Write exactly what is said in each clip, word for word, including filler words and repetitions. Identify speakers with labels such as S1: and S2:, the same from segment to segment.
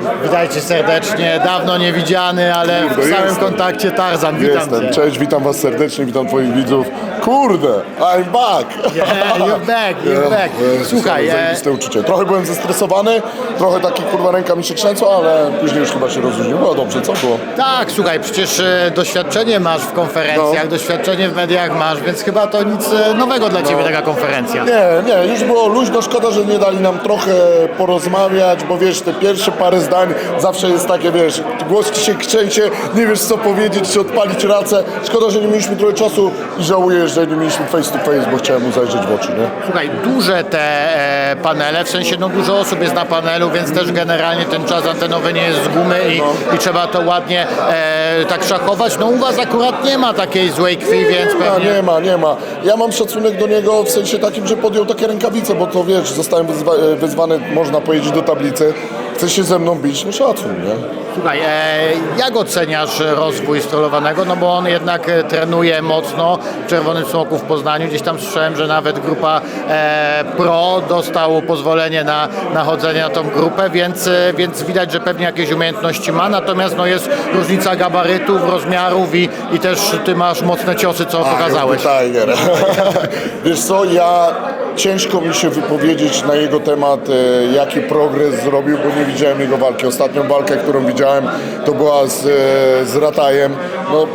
S1: Witajcie serdecznie, dawno nie widziany, ale
S2: Kurde,
S1: w stałym
S2: jestem.
S1: kontakcie Tarzan, witam
S2: Jestem.
S1: cię.
S2: Cześć, witam was serdecznie, witam twoich widzów. Kurde, I'm back!
S1: Yeah, you're back, you're back. Słuchaj, e,
S2: zajebiste uczucie. Trochę byłem zestresowany, trochę taki kurwa ręka mi się trzęsła, ale później już chyba się rozluźnił. Było dobrze, co było?
S1: tak, słuchaj, przecież e, doświadczenie masz w konferencjach,
S2: No.
S1: doświadczenie w mediach masz, więc chyba to nic e, nowego dla ciebie taka konferencja.
S2: Nie, nie, już było luźno, szkoda, że nie dali nam trochę porozmawiać, bo wiesz, te pierwsze parę zdań zawsze jest takie, wiesz, głos ci się krzęcie, nie wiesz co powiedzieć, czy odpalić racę. Szkoda, że nie mieliśmy trochę czasu i żałuję, że nie mieliśmy face to face, bo chciałem mu zajrzeć w oczy, nie?
S1: Słuchaj, duże te e, panele, w sensie no dużo osób jest na panelu, więc też generalnie ten czas antenowy nie jest z gumy i,
S2: No.
S1: i trzeba to ładnie e, tak szachować. No u was akurat nie ma takiej złej krwi, więc
S2: Nie ma,
S1: pewnie...
S2: nie ma, nie ma. Ja mam szacunek do niego w sensie takim, że podjął takie rękawice, bo to wiesz, zostałem wyzwa- wezwany, można powiedzieć, do tablicy. Chce się ze mną bić, no szacun, nie?
S1: Słuchaj, e, jak oceniasz rozwój strolowanego? No bo on jednak e, trenuje mocno w Czerwonym Smoku w Poznaniu. Gdzieś tam słyszałem, że nawet grupa e, Pro dostał pozwolenie na, na chodzenie na tą grupę, więc, e, więc widać, że pewnie jakieś umiejętności ma. Natomiast no, jest różnica gabarytów, rozmiarów i, i też ty masz mocne ciosy, co pokazałeś.
S2: Tiger. Wiesz co, ja ciężko mi się wypowiedzieć na jego temat, e, jaki progres zrobił, bo nie widziałem jego walki. Ostatnią walkę, którą widziałem, to była z, e, z Ratajem. No,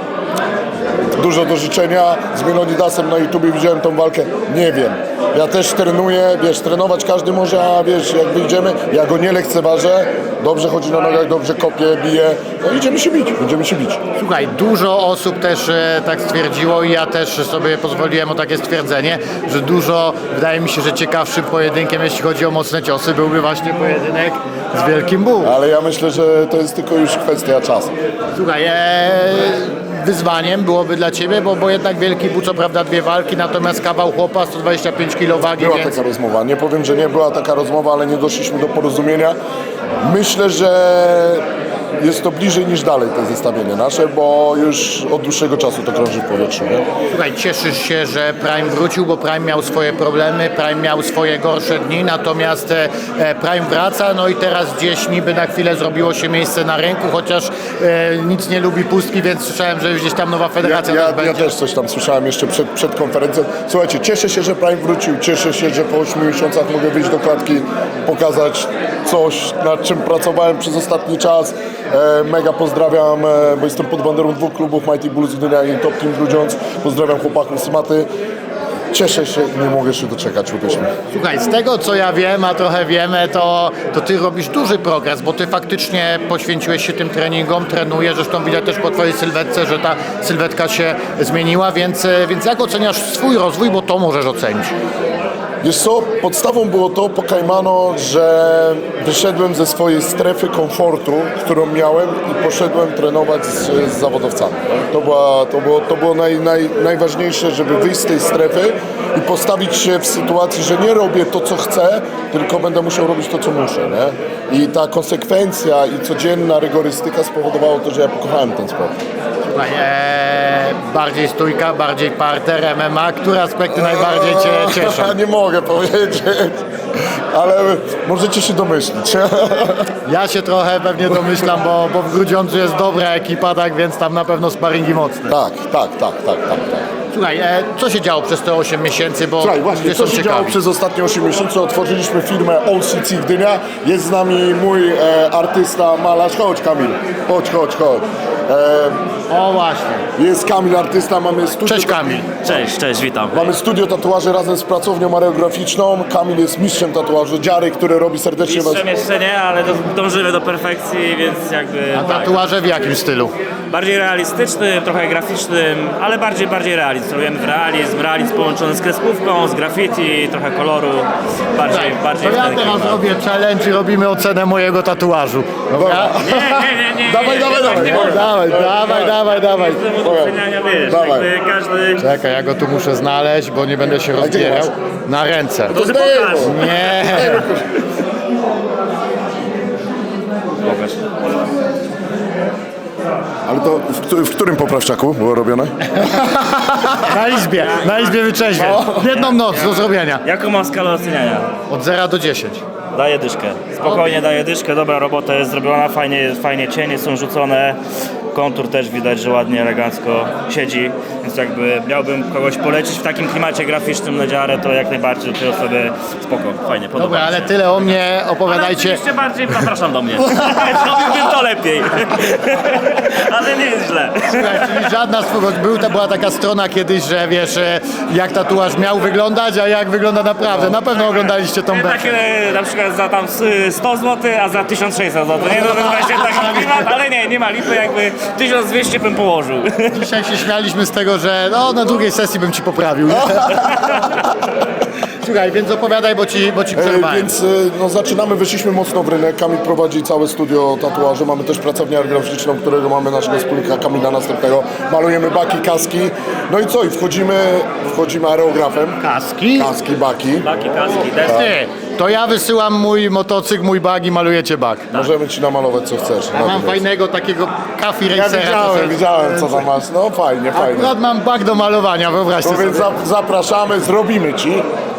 S2: dużo do życzenia. Z Melonidasem na YouTubie widziałem tą walkę. Nie wiem. Ja też trenuję, wiesz, trenować każdy może, a wiesz, jak wyjdziemy, ja go nie lekceważę. Dobrze chodzi na nogach, dobrze kopie, bije. No idziemy się bić, będziemy się bić.
S1: Słuchaj, dużo osób też e, tak stwierdziło i ja też sobie pozwoliłem o takie stwierdzenie, że dużo, wydaje mi się, że ciekawszym pojedynkiem, jeśli chodzi o mocne ciosy, byłby właśnie pojedynek z Wielkim Bull.
S2: Ale ja myślę, że to jest tylko już kwestia czasu.
S1: Słuchaj, e, wyzwaniem byłoby dla ciebie, bo, bo jednak Wielki Bull, co prawda dwie walki, natomiast kawał chłopa, sto dwadzieścia pięć kilo wagi,
S2: Była
S1: więc...
S2: taka rozmowa. Nie powiem, że nie była taka rozmowa, ale nie doszliśmy do porozumienia. Myślę, że jest to bliżej niż dalej te zestawienie nasze, bo już od dłuższego czasu to krąży w powietrzu. Nie?
S1: Słuchaj, cieszysz się, że Prime wrócił, bo Prime miał swoje problemy, Prime miał swoje gorsze dni, natomiast e, e, Prime wraca, no i teraz gdzieś niby na chwilę zrobiło się miejsce na rynku, chociaż e, nic nie lubi pustki, więc słyszałem, że gdzieś tam nowa federacja
S2: Ja,
S1: też
S2: ja,
S1: będzie.
S2: ja też coś tam słyszałem jeszcze przed, przed konferencją. Słuchajcie, cieszę się, że Prime wrócił, cieszę się, że po ośmiu miesiącach mogę wyjść do klatki, pokazać coś, nad czym pracowałem przez ostatni czas. E, mega pozdrawiam, e, bo jestem pod banderą dwóch klubów, Mighty Bulls Gdynia i Top Team Grudziądz. Pozdrawiam chłopaków z Maty. Cieszę się i nie mogę się doczekać, uwierzmy.
S1: Słuchaj, z tego co ja wiem, a trochę wiemy, to, to ty robisz duży progres, bo ty faktycznie poświęciłeś się tym treningom, trenujesz, zresztą widać też po twojej sylwetce, że ta sylwetka się zmieniła, więc, więc jak oceniasz swój rozwój, bo to możesz ocenić.
S2: Wiesz co, podstawą było to po Kajmano, że wyszedłem ze swojej strefy komfortu, którą miałem i poszedłem trenować z, z zawodowcami. To, była, to było, to było naj, naj, najważniejsze, żeby wyjść z tej strefy i postawić się w sytuacji, że nie robię to, co chcę, tylko będę musiał robić to, co muszę. Nie? I ta konsekwencja i codzienna rygorystyka spowodowało to, że ja pokochałem ten sport.
S1: Słuchaj, ee, bardziej stójka, bardziej parter, M M A, które aspekty najbardziej cię cieszą?
S2: Nie mogę powiedzieć, ale możecie się domyślić.
S1: Ja się trochę pewnie domyślam, bo, bo w Grudziądzu jest dobra ekipa, tak więc tam na pewno sparingi mocne.
S2: Tak, tak, tak, tak, tak, tak.
S1: Słuchaj, e, co się działo przez te osiem miesięcy, bo
S2: Słuchaj, właśnie,
S1: ludzie
S2: co
S1: są
S2: się działo
S1: ciekawi.
S2: przez ostatnie osiem miesięcy? Otworzyliśmy firmę All C C Gdynia. Jest z nami mój e, artysta, malarz. Chodź Kamil, chodź, chodź, chodź. E,
S1: O właśnie.
S2: jest Kamil, artysta, mamy studio.
S1: Cześć Kamil.
S3: Cześć, cześć, witam.
S2: Mamy studio tatuaży razem z pracownią areograficzną. Kamil jest mistrzem tatuażu. Dziary, który robi serdecznie was.
S3: Mistrzem jeszcze nie, ale do, dążymy do perfekcji, więc jakby
S1: A
S3: tak.
S1: tatuaże w jakim stylu?
S3: Bardziej realistycznym, trochę graficznym, ale bardziej, bardziej realizm. Celujemy w realizm, realizm połączony z kreskówką, z graffiti, trochę koloru, bardziej, bardziej
S1: To
S3: w
S1: ja
S3: ten
S1: teraz
S3: klimat.
S1: robię challenge i robimy ocenę mojego tatuażu. Dobra?
S3: Nie, nie, nie, nie.
S2: Dawaj,
S3: nie,
S2: dawaj,
S3: nie,
S2: dawaj.
S3: nie, nie,
S1: Dawaj, dawaj, dawaj, dawaj.
S3: Jestem od oceniania, wiesz,
S2: Dawaj.
S3: jakby każdy...
S1: Czekaj, ja go tu muszę znaleźć, bo nie będę się
S2: gdzie
S1: rozbierał.
S2: masz?
S1: Na ręce.
S3: To ty pokaż.
S1: Nie.
S3: Pokaż.
S2: Ale to w, któ- w którym poprawczaku było robione?
S1: Na izbie, na izbie wyczeźwień. Jedną noc do zrobienia.
S3: Jaką mam skalę oceniania?
S1: Od zera do dziesięciu.
S3: Daję dyszkę. Spokojnie daję dyszkę, dobra robota jest zrobiona, fajnie, fajnie cienie są rzucone. Kontur też widać, że ładnie, elegancko siedzi, więc jakby miałbym kogoś polecić w takim klimacie graficznym na dziarę, to jak najbardziej do tej osoby spoko, fajnie, podoba
S1: Dobra,
S3: mi się.
S1: ale tyle o mnie,
S3: Ale
S1: opowiadajcie.
S3: oczywiście bardziej zapraszam do mnie. Zrobiłbym to lepiej. Ale nie jest źle.
S1: Słuchaj, czyli żadna z twojego, był, to była taka strona kiedyś, że wiesz, e, jak tatuaż miał wyglądać, a jak wygląda naprawdę. Na pewno oglądaliście tą
S3: Tak,
S1: beczkę.
S3: e, na przykład za tam sto złotych, a za tysiąc sześćset złotych. Nie, no to jest właśnie taki klimat, ale nie, nie ma lipy, jakby tysiąc dwieście bym położył.
S1: Dzisiaj się śmialiśmy z tego, że no, na drugiej sesji bym ci poprawił. Słuchaj, więc opowiadaj, bo ci, bo ci
S2: E,
S1: przerwałem.
S2: Więc e, no, zaczynamy, wyszliśmy mocno w rynek. Kamil prowadzi całe studio tatuaży. Mamy też pracownię graficzną, którego mamy naszego wspólnika Kamila następnego. Malujemy baki, kaski. No i co? I wchodzimy, wchodzimy aerografem.
S1: Kaski?
S2: Kaski, baki.
S3: Taki kaski, deski.
S1: Ty, to ja wysyłam mój motocykl, mój bag i malujecie bag.
S2: Możemy ci namalować co chcesz.
S1: Ja
S2: Na
S1: mam
S2: to
S1: fajnego takiego kafi
S2: Ja
S1: racera. to
S2: widziałem,
S1: sobie-
S2: widziałem co tam masz. No fajnie, fajnie.
S1: Akurat mam bag do malowania, wyobraźcie
S2: No więc
S1: sobie.
S2: za, zapraszamy, zrobimy ci.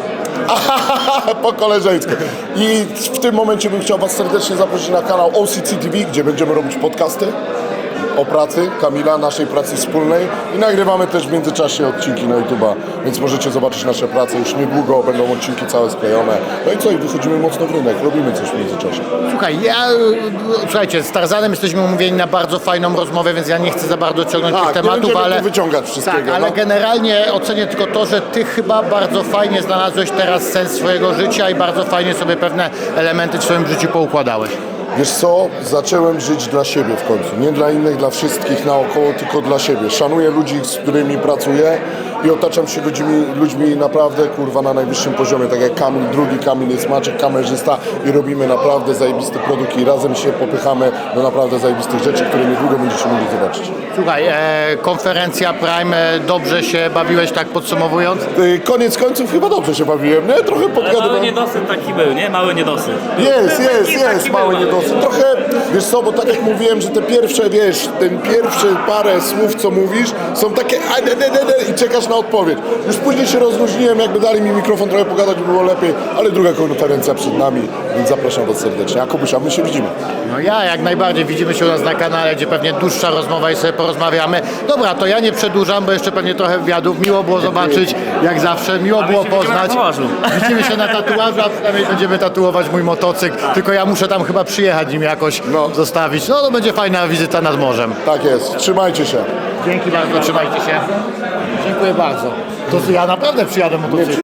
S2: Po koleżeńsku. I w tym momencie bym chciał Was serdecznie zaprosić na kanał O C C T V, gdzie będziemy robić podcasty o pracy Kamila, naszej pracy wspólnej i nagrywamy też w międzyczasie odcinki na YouTube'a, więc możecie zobaczyć nasze prace już niedługo, będą odcinki całe sklejone. No i co, i wychodzimy mocno w rynek, robimy coś w międzyczasie.
S1: Słuchaj, ja, y, słuchajcie, z Tarzanem jesteśmy umówieni na bardzo fajną rozmowę, więc ja nie chcę za bardzo ciągnąć tych
S2: Tak, nie
S1: tematów,
S2: będziemy
S1: ale...
S2: tu wyciągać wszystkiego.
S1: Tak, ale
S2: no.
S1: generalnie ocenię tylko to, że ty chyba bardzo fajnie znalazłeś teraz sens swojego życia i bardzo fajnie sobie pewne elementy w swoim życiu poukładałeś.
S2: Wiesz co, zacząłem żyć dla siebie w końcu. Nie dla innych, dla wszystkich naokoło, tylko dla siebie. Szanuję ludzi, z którymi pracuję i otaczam się ludźmi, ludźmi naprawdę, kurwa, na najwyższym poziomie. Tak jak Kamil, drugi Kamil jest Maciek, kamerzysta i robimy naprawdę zajebisty produkt i razem się popychamy do naprawdę zajebistych rzeczy, które niedługo będziecie mogli zobaczyć.
S1: Słuchaj, e, konferencja Prime, e, dobrze się bawiłeś, tak podsumowując?
S2: Yy, Koniec końców chyba dobrze się bawiłem, nie? Trochę
S3: Ale mały
S2: podgadywałem.
S3: niedosyt taki był, nie? Mały niedosyt.
S2: Jest, jest,
S3: Taki-
S2: jest,
S3: taki
S2: mały
S3: był,
S2: niedosyt. Trochę, wiesz co, bo tak jak mówiłem, że te pierwsze, wiesz, ten pierwsze parę słów, co mówisz, są takie a, de, de, de, de, i czekasz na odpowiedź. Już później się rozluźniłem, jakby dali mi mikrofon trochę pogadać, by było lepiej, ale druga konferencja przed nami, więc zapraszam Was serdecznie. Jakubuś, a my się widzimy.
S1: No ja jak najbardziej, widzimy się u nas na kanale, gdzie pewnie dłuższa rozmowa i sobie porozmawiamy. Dobra, to ja nie przedłużam, bo jeszcze pewnie trochę wywiadów. Miło było zobaczyć, jak zawsze, miło
S3: my
S1: było
S3: się widzimy na
S1: poznać.
S3: tatuażu.
S1: Widzimy się na tatuażu, a przynajmniej będziemy tatuować mój motocykl. Tylko ja muszę tam chyba przyjechać nim jakoś
S2: No.
S1: zostawić. No to będzie fajna wizyta nad morzem.
S2: Tak jest, trzymajcie się.
S1: Dzięki bardzo, trzymajcie się. Dziękuję bardzo. To ja naprawdę przyjadę motocyklem.